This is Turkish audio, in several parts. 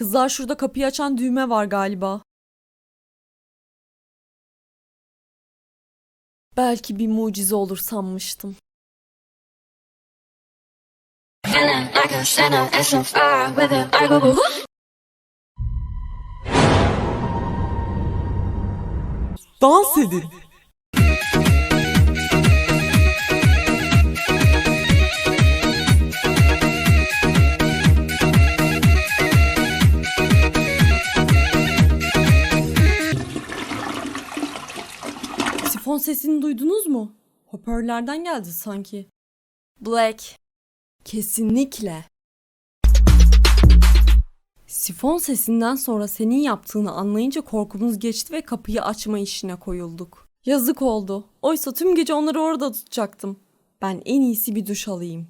Kızlar şurada kapıyı açan düğme var galiba. Belki bir mucize olur sanmıştım. Dans edin. Sifon sesini duydunuz mu? Hoparlörlerden geldi sanki. Black. Kesinlikle. Sifon sesinden sonra senin yaptığını anlayınca korkumuz geçti ve kapıyı açma işine koyulduk. Yazık oldu. Oysa tüm gece onları orada tutacaktım. Ben en iyisi bir duş alayım.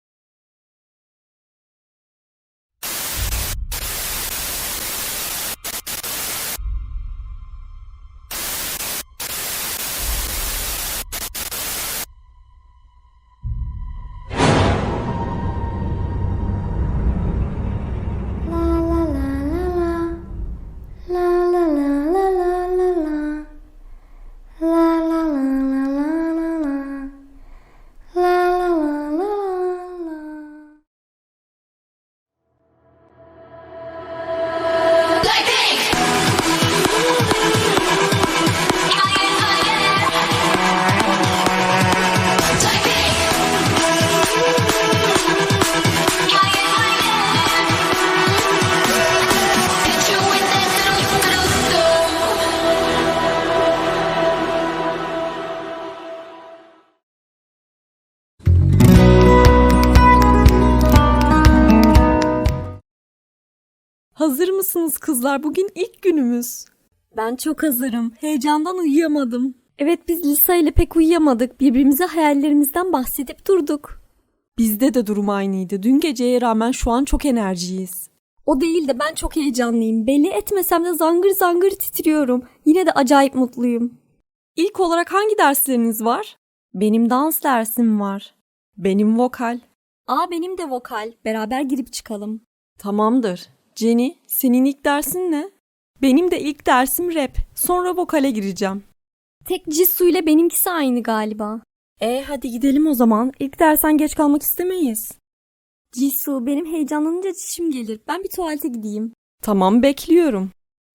Hazır mısınız kızlar? Bugün ilk günümüz. Ben çok hazırım. Heyecandan uyuyamadım. Evet, biz Lisa ile pek uyuyamadık. Birbirimize hayallerimizden bahsedip durduk. Bizde de durum aynıydı. Dün geceye rağmen şu an çok enerjiyiz. O değil de ben çok heyecanlıyım. Belli etmesem de zangır zangır titriyorum. Yine de acayip mutluyum. İlk olarak hangi dersleriniz var? Benim dans dersim var. Benim vokal. Benim de vokal. Beraber girip çıkalım. Tamamdır. Jenny, senin ilk dersin ne? Benim de ilk dersim rap. Sonra vokale gireceğim. Tek Jisoo ile benimkisi aynı galiba. Hadi gidelim o zaman. İlk dersen geç kalmak istemeyiz. Jisoo, benim heyecanlanınca çişim gelir. Ben bir tuvalete gideyim. Tamam, bekliyorum.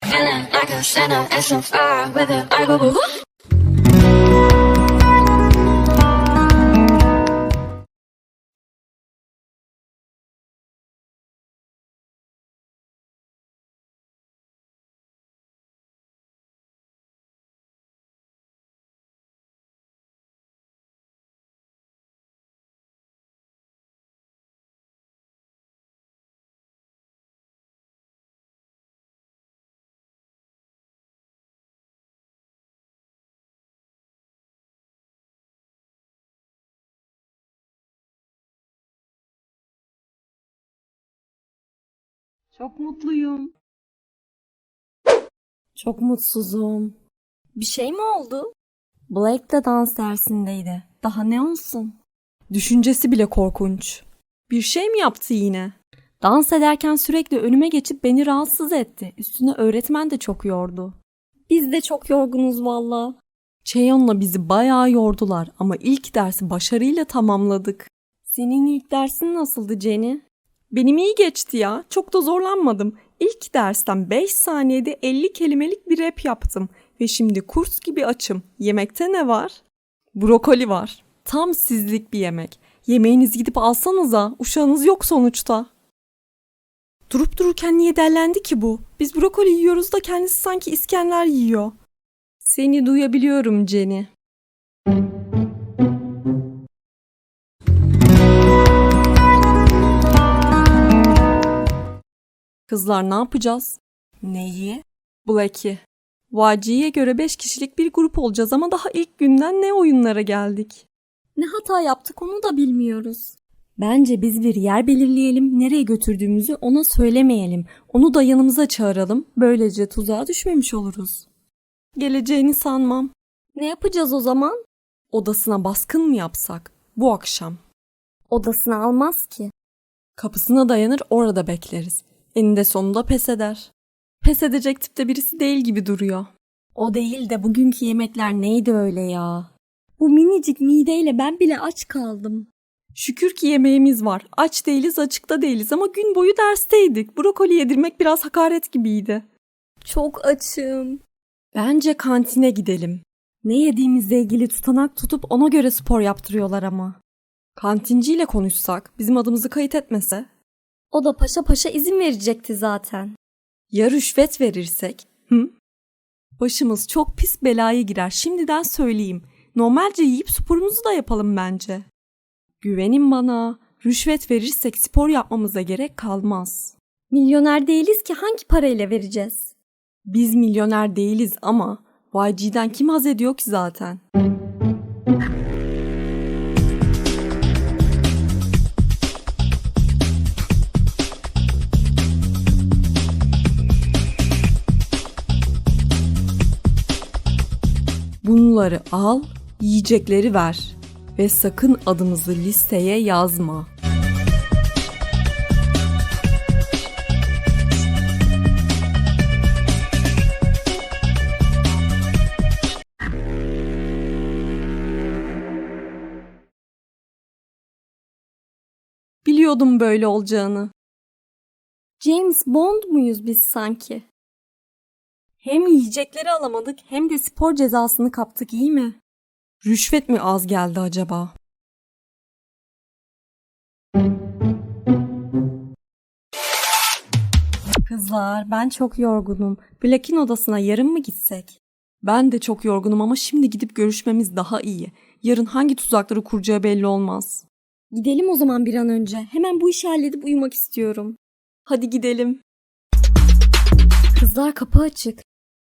Çok mutluyum. Çok mutsuzum. Bir şey mi oldu? Black de dans dersindeydi. Daha ne olsun? Düşüncesi bile korkunç. Bir şey mi yaptı yine? Dans ederken sürekli önüme geçip beni rahatsız etti. Üstüne öğretmen de çok yordu. Biz de çok yorgunuz valla. Chaeyoung'la bizi bayağı yordular ama ilk dersi başarıyla tamamladık. Senin ilk dersin nasıldı Jenny? Benim iyi geçti ya. Çok da zorlanmadım. İlk dersten 5 saniyede 50 kelimelik bir rap yaptım. Ve şimdi kurs gibi açım. Yemekte ne var? Brokoli var. Tam sizlik bir yemek. Yemeğinizi gidip alsanıza. Uşağınız yok sonuçta. Durup dururken niye dellendi ki bu? Biz brokoli yiyoruz da kendisi sanki İskender yiyor. Seni duyabiliyorum Jenny. Kızlar ne yapacağız? Neyi? Black'i. YG'ye göre 5 kişilik bir grup olacağız ama daha ilk günden ne oyunlara geldik? Ne hata yaptık onu da bilmiyoruz. Bence biz bir yer belirleyelim, nereye götürdüğümüzü ona söylemeyelim. Onu da yanımıza çağıralım, böylece tuzağa düşmemiş oluruz. Geleceğini sanmam. Ne yapacağız o zaman? Odasına baskın mı yapsak? Bu akşam. Odasına almaz ki. Kapısına dayanır orada bekleriz. Eninde sonunda pes eder. Pes edecek tipte birisi değil gibi duruyor. O değil de bugünkü yemekler neydi öyle ya? Bu minicik mideyle ben bile aç kaldım. Şükür ki yemeğimiz var. Aç değiliz, açıkta değiliz ama gün boyu dersteydik. Brokoli yedirmek biraz hakaret gibiydi. Çok açım. Bence kantine gidelim. Ne yediğimizle ilgili tutanak tutup ona göre spor yaptırıyorlar ama. Kantinciyle konuşsak, bizim adımızı kayıt etmese. O da paşa paşa izin verecekti zaten. Ya rüşvet verirsek? Hı? Başımız çok pis belaya girer. Şimdiden söyleyeyim. Normalce yiyip sporumuzu da yapalım bence. Güvenin bana. Rüşvet verirsek spor yapmamıza gerek kalmaz. Milyoner değiliz ki hangi parayla vereceğiz? Biz milyoner değiliz ama YG'den kim haz ediyor ki zaten? Bunları al, yiyecekleri ver ve sakın adımızı listeye yazma. Biliyordum böyle olacağını. James Bond muyuz biz sanki? Hem yiyecekleri alamadık hem de spor cezasını kaptık, iyi mi? Rüşvet mi az geldi acaba? Kızlar, ben çok yorgunum. Black'in odasına yarın mı gitsek? Ben de çok yorgunum ama şimdi gidip görüşmemiz daha iyi. Yarın hangi tuzakları kuracağı belli olmaz. Gidelim o zaman bir an önce. Hemen bu işi halledip uyumak istiyorum. Hadi gidelim. Kızlar, kapı açık.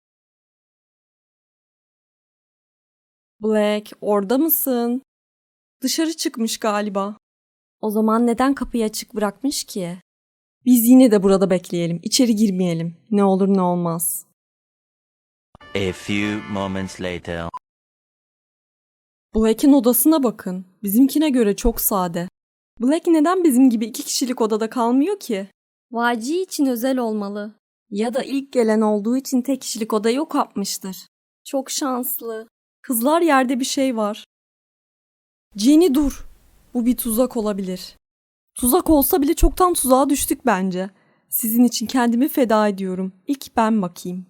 Black, orada mısın? Dışarı çıkmış galiba. O zaman neden kapıyı açık bırakmış ki? Biz yine de burada bekleyelim. İçeri girmeyelim. Ne olur ne olmaz. A few moments later. Black'in odasına bakın. Bizimkine göre çok sade. Black neden bizim gibi 2 kişilik odada kalmıyor ki? Vaci için özel olmalı. Ya da ilk gelen olduğu için tek kişilik oda yok yapmıştır. Çok şanslı. Kızlar, yerde bir şey var. Jenny dur. Bu bir tuzak olabilir. Tuzak olsa bile çoktan tuzağa düştük bence. Sizin için kendimi feda ediyorum. İlk ben bakayım.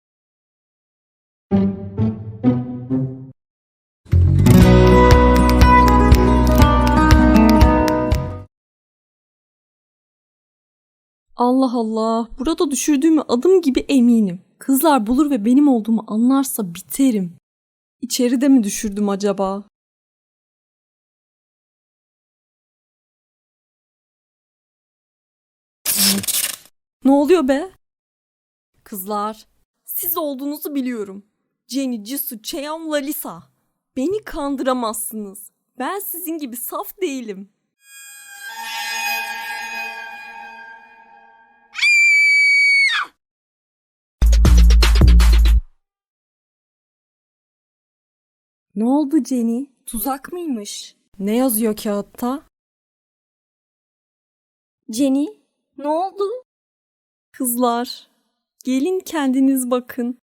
Allah Allah. Burada düşürdüğümü adım gibi eminim. Kızlar bulur ve benim olduğumu anlarsa biterim. İçeride mi düşürdüm acaba? Ne oluyor be? Kızlar, siz olduğunuzu biliyorum. Jenny, Jisoo, Chaeyoung, Lalisa. Beni kandıramazsınız. Ben sizin gibi saf değilim. Ne oldu Jenny? Tuzak mıymış? Ne yazıyor kağıtta? Jenny, ne oldu? Kızlar, gelin kendiniz bakın.